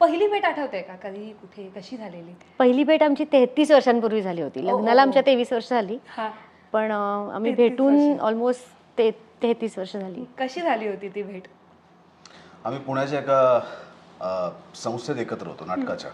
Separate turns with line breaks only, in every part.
पहिली भेट आठवते का? कधी, कुठे, कशी झालेली?
पहिली भेट आमची 33 वर्षांपूर्वी झाली होती. लग्नाला आमच्या 23 वर्ष झाली,
हा.
पण आम्ही
33
भेटून
वर्ष.
ऑलमोस्ट 33 वर्ष झाली.
कशी झाली होती ती भेट?
आम्ही पुण्याच्या एका संस्थेत एकत्र होतो, नाटकाच्या.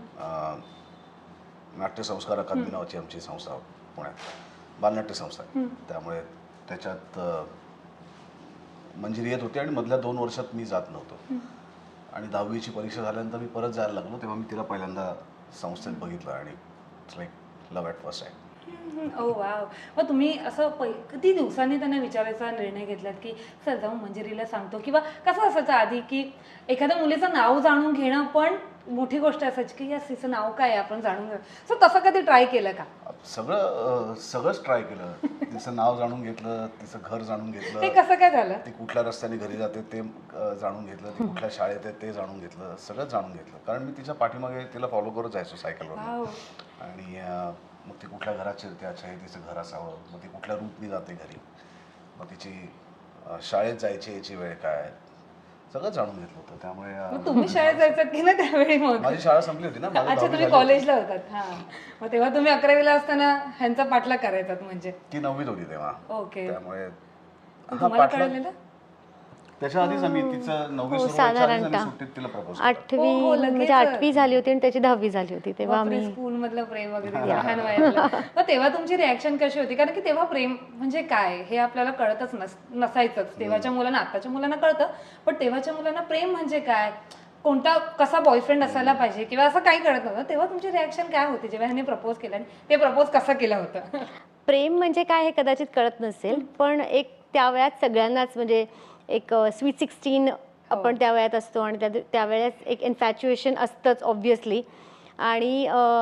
नाट्यसंस्कार अकादमी नावाची आमची संस्था पुण्यात, बालनाट्य संस्था आहे. त्यामुळे त्याच्यात मंजिरी येत होती आणि मधल्या 2 वर्षात मी जात नव्हतो. आणि 10वीची परीक्षा झाल्यानंतर मी परत जायला लागलो, तेव्हा मी तिला पहिल्यांदा संस्थेत बघितलं आणि it's like love at first time.
Oh wow. मग तुम्ही असं किती दिवसांनी त्यांना विचारायचा निर्णय घेतलात की सर जाऊन मंजिरीला सांगतो, किंवा कसं असायचं आधी की एखाद्या मुलीचं नाव जाणून घेणं पण मोठी गोष्ट असायची की या तिचं नाव काय आहे आपण जाणून घेऊ, सो तसं कधी ट्राय केलं का?
सगळंच ट्राय केलं. तिचं नाव जाणून घेतलं, तिचं घर जाणून
हे
घेतलं,
कसं काय झालं?
ती कुठल्या रस्त्याने घरी जाते ते जाणून घेतलं, ती कुठल्या शाळेत आहे ते जाणून घेतलं, सगळं जाणून घेतलं. कारण मी तिच्या पाठीमागे तिला फॉलो करत जायचो सायकलवर.
वाव.
आणि मग ती कुठल्या घरात शिरते, अच्छा हे तिचं घर असावं, मग ती कुठल्या रूटनी जाते घरी, मग तिची शाळेत जायची याची वेळ काय, सगळं जाणून घेतलं होतं.
मग
त्यामुळे
तुम्ही शाळेत जायचात की ना त्यावेळी? मग
माझी शाळा संपली होती ना. माझं
अच्छा,
10वी
तुम्ही
झाली
कॉलेजला होतात. हा, मग तेव्हा तुम्ही 11वीला असताना ह्यांचा पाठलाग करायचात म्हणजे?
होती. ती 9वीत होती तेव्हा.
ओके.
त्यामुळे
तुम्हाला कळलेलं?
त्याच्या आधीच आम्ही तिचं 9वी सुरू व्हायच्या आधीच आम्ही सुट्टीत तिला प्रपोज केलं.
8वी
हो, लगेच.
म्हणजे 8वी झाली होती आणि त्याची 10वी झाली होती तेव्हा
बापरे,
आम्ही.
स्कूल मधलं प्रेम वगैरे लहान वयातलं. मग तेव्हा तुमची रिॲक्शन कशी होती? कारण की तेव्हा प्रेम म्हणजे काय हे आपल्याला कळतच नसायचंच. तेव्हाच्या मुलांना, आताच्या मुलांना कळतं, पण तेव्हाच्या मुलांना प्रेम म्हणजे काय, कोणता कसा बॉयफ्रेंड असायला पाहिजे किंवा असं काही कळत नव्हतं. तेव्हा तुमची रिॲक्शन काय होती जेव्हा ह्याने प्रपोज केलं आणि ते प्रपोज कसं केलं होतं?
प्रेम म्हणजे काय हे कदाचित कळत नसेल, पण एक त्या वयात सगळ्यांनाच म्हणजे एक स्वीट 16 आपण त्या वयात असतो आणि त्यावेळेस एक इन्फॅच्युएशन असतंच ऑब्व्हियसली. आणि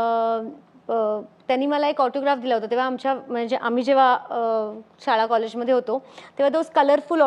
त्यांनी मला एक ऑटोग्राफ दिला होता तेव्हा म्हणजे आम्ही जेव्हा शाळा कॉलेजमध्ये होतो तेव्हा दोस कलरफुल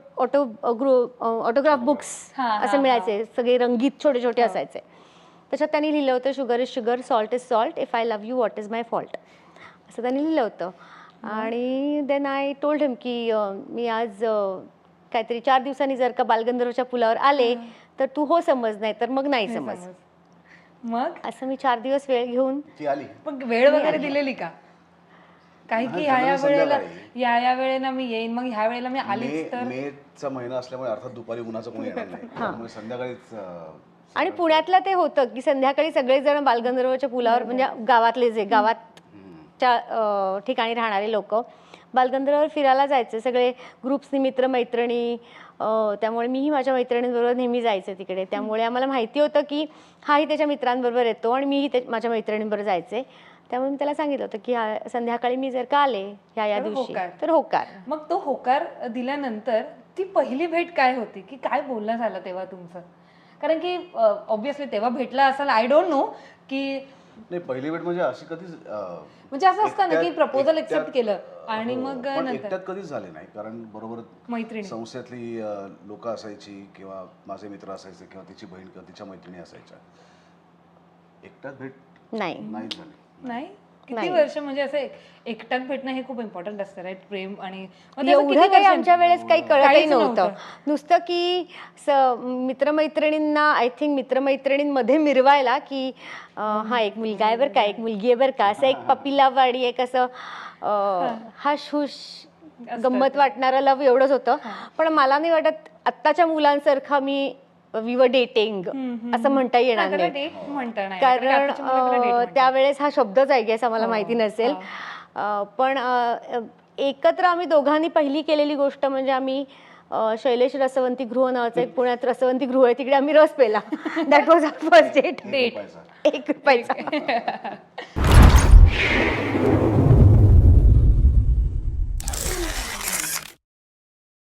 ऑटोग्राफ बुक्स असे मिळायचे, सगळे रंगीत छोटे छोटे असायचे. त्याच्यात त्यांनी लिहिलं होतं, sugar is sugar, salt is salt, if I love you what is my fault, असं त्यांनी लिहिलं होतं. आणि देन आय टोल्ड हिम की मी आज काहीतरी 4 दिवसांनी जर का बालगंधर्वच्या पुलावर आले तर तू हो समज, नाही तर मग नाही समज.
मग
असं मी 4 दिवस वेळ घेऊन
ती आली.
मग वेळ वगैरे दिलेली का? काही की ह्या वेळेला या वेळेला मी येईन, मग ह्या वेळेला मी आलीच तर?
मेचा महिना असल्यामुळे अर्थात दुपारी उन्हाचं कोणी येणार नाही, त्यामुळे संध्याकाळीच.
आणि पुण्यातलं ते होतं की संध्याकाळी सगळेजण बालगंधर्वच्या पुलावर, म्हणजे गावातले जे गावाच्या ठिकाणी राहणारे लोक बालगंधर्ववर फिरायला जायचे, सगळे ग्रुप्सनी, मित्रमैत्रिणी. त्यामुळे मीही माझ्या मैत्रिणींबरोबर नेहमी जायचे तिकडे. त्यामुळे आम्हाला माहिती होतं की हाही त्याच्या मित्रांबरोबर येतो आणि मीही माझ्या मैत्रिणींबरोबर जायचे. त्यामुळे मी त्याला सांगितलं होतं की संध्याकाळी मी जर का आले ह्या दिवशी तर होकार.
मग तो होकार दिल्यानंतर ती पहिली भेट काय होती, की काय बोलणं झालं तेव्हा तुमचं? कारण की ऑब्व्हियसली तेव्हा भेटला असाल, आय डोंट नो की
नाही. पहिली भेट म्हणजे अशी कधीच
म्हणजे असं असतं ना की प्रपोजल एक्सेप्ट केलं आणि मग नंतर
एकट्यात कधीच झाले नाही. कारण बरोबर
मैत्रिणी,
संस्थेतली लोक असायची किंवा माझे मित्र असायचे किंवा तिची बहीण किंवा तिच्या मैत्रिणी असायच्या. एकट्यात भेट नाही झाली.
नाही? किती वर्ष म्हणजे असं एकट्यात भेटणं हे खूप इम्पॉर्टंट असतं, राईट? प्रेम आणि
एवढं काही आमच्या वेळेस काही कळतही नव्हतं. नुसतं की मित्रमैत्रिणींना, आय थिंक मित्रमैत्रिणींमध्ये मिरवायला की हा एक मुलगा आहे बरं का, एक मुलगी आहे बरं का, असं एक पपिलावाडी, एक असं हश हुश गंमत वाटणारं लव एवढंच होतं. पण मला नाही वाटत आत्ताच्या मुलांसारखं वी वर डेटिंग असं म्हणता येणार नाही, कारण त्यावेळेस हा शब्दच आय गेस आम्हाला माहिती नसेल. पण एकत्र आम्ही दोघांनी पहिली केलेली गोष्ट म्हणजे आम्ही शैलेश रसवंती गृह नावाचं एक पुण्यात रसवंती गृह आहे, तिकडे आम्ही रस पेला. That was our first date.
Date
₹1.